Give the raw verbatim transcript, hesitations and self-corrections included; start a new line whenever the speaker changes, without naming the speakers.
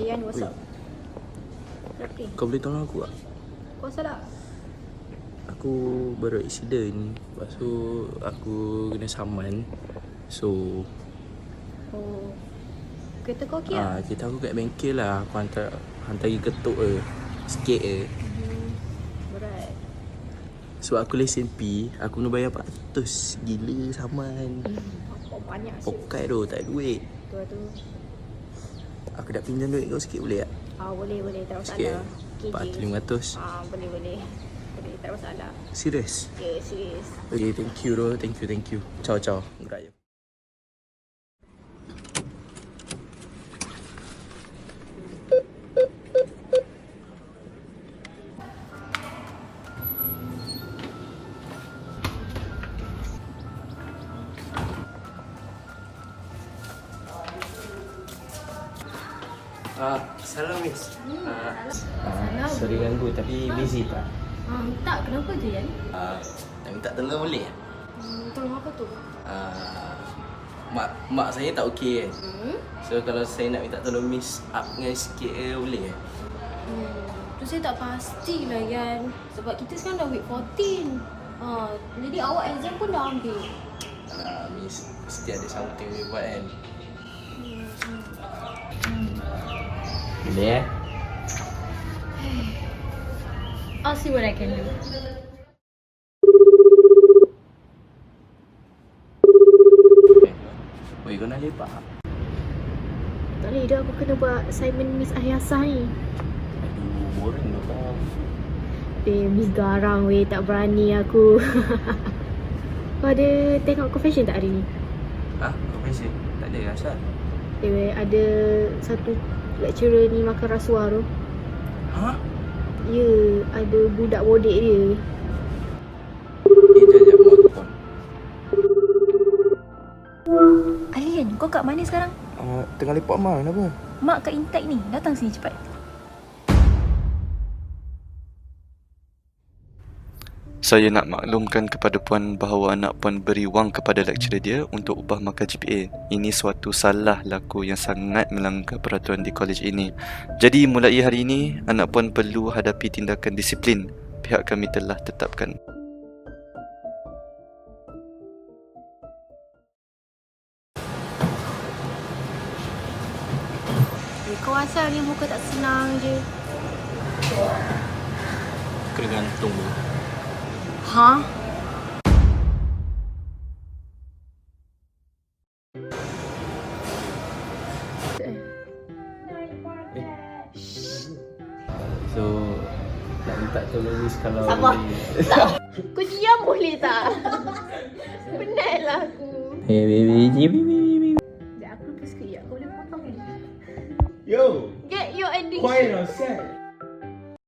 Yan, what's up? Kenapa?
Kau boleh tolong aku tak?
Kau salah.
Aku baru accident. Lepas tu aku kena saman. So
Oh, kereta kau okey
ah,
tak?
kita aku kat bengkel lah. Aku hantar hantar pergi ketuk je. Sikit je.
Hmm, berat.
Sebab aku lesen P, aku kena bayar empat ratus. Gila saman.
Oh, banyak sih.
Pokai tu, tak ada duit.
Tu tu.
Aku nak pinjam duit kau sikit boleh tak?
Ah, boleh boleh, tak
Sikit.
masalah. Okey
empat ratus
je.
lima ratus.
Ah, boleh boleh. Boleh, tak masalah.
Serius?
Ya, serius.
Okay, thank you bro. Thank you, thank you. Ciao, ciao. Raya. Ah, salam miss. Ah, ah, sorry ganggu tapi busy tak?
Ah, tak, kenapa tu Yan?
Ah, nak minta tolong boleh?
Hmm, tolong apa tu?
Ah, mak mak saya tak okey kan.
Hmm?
So kalau saya nak minta tolong miss up dengan sikit ke boleh ke?
Hmm, tu saya tak pastilah Yan. Sebab kita sekarang dah week fourteen. Ah, jadi awak exam pun dah ambil.
Ah, miss mesti ada something boleh buat kan.
Hmm, hmm.
Boleh eh?
I'll see what I can do.
Oi, kau nak lepak?
Tak boleh dah, aku kena buat assignment Miss Ahyasah ni.
Aduh, boring dah kau.
Eh, Miss garang weh, tak berani aku. Kau ada tengok confession tak hari ni?
Ah, kau mesej? Tak ada asal.
Eh weh, ada satu lecturer ni makan rasuah tu.
Ha?
Ya, ada budak bodek dia.
Eh, jap jap mak telefon.
Alien, kau kat mana sekarang?
Ah, tengah lepak mak, kenapa?
Mak kat Intek ni. Datang sini cepat.
Saya nak maklumkan kepada puan bahawa anak puan beri wang kepada lecturer dia untuk upah markah G P A. Ini suatu salah laku yang sangat melanggar peraturan di kolej ini. Jadi mulai hari ini, anak puan perlu hadapi tindakan disiplin. Pihak kami telah tetapkan.
Eh, kau asal ni muka tak senang je.
Kena gantung tu.
Ha?
So, nak minta tolong miss kalau
Sabar.
boleh.
Kau diam boleh tak? Penatlah aku.
Hey baby, baby, baby.
Sekejap, aku lupa sikit ya. Kau boleh potong ni?
Yo,
Get your addiction.
quiet on set.